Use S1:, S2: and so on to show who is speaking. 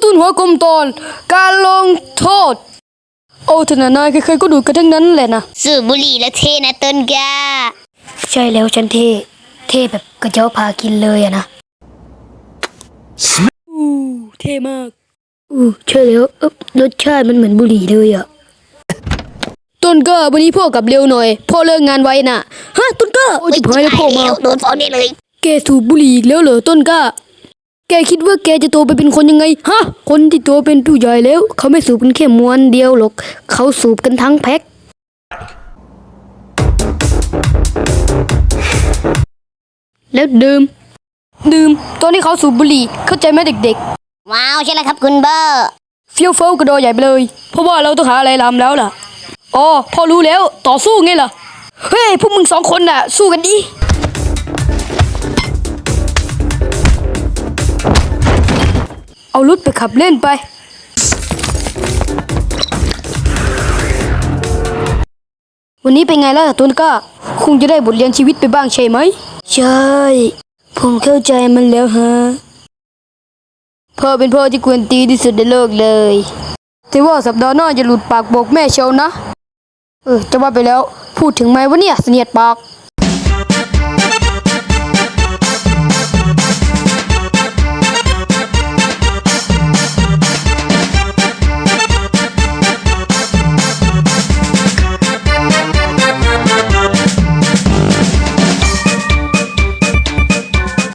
S1: ตุนหัวกลมตอนการลงโทษโอ้ธนานายใครๆก็ดูกันทั้งนั้นแหละนะ
S2: สูบบุหรี่แล้วเท่นะต้นกล้า
S1: ใช่แล้วฉันเท่แบบกระเจ้าพากินเลยอะนะเท่มากใช่แล้วรสชาติมันเหมือนบุหรี่เลยอะต้นก็วันนี้พ่อกลับเร็วหน่อยพ่อเลิกงานไว้น่ะฮะต้นก็โอ้ยพายแล้วพ่อมา
S2: โดนฟ้องได้เลย
S1: แกสูบบุหรี่อีกแล้วเหรอต้นก็แกคิดว่าแกจะโตไปเป็นคนยังไงฮะคนที่โตเป็นผู้ใหญ่แล้วเขาไม่สูบกันแค่มวนเดียวหรอกเขาสูบกันทั้งแพ็คแล้วดื่มตอนที่เขาสูบบุหรี่เข้าใจไหมเด็ก
S2: ว้าวใช่แล้วครับคุณเบอร์
S1: ๆเฟี้ยวเฟ้ากระโดดใหญ่ไปเลยเพราะว่าเราต้องหาอะไรทำแล้วล่ะอ๋อพอรู้แล้วต่อสู้ไงล่ะเฮ้ยพวกมึง2 คนน่ะสู้กันดิเอารถไปขับเล่นไปวันนี้เป็นไงล่ะตุนก้าคงจะได้บทเรียนชีวิตไปบ้างใช่ไหมใช่ผมเข้าใจมันแล้วฮะพ่อเป็นพ่อที่กวนตีที่สุดในโลกเลยแต่ว่าสัปดาห์หน้าจะหลุดปากบอกแม่เชียวนะจะว่าไปแล้วพูดถึงไหมวะเนี่ยเสนียดปาก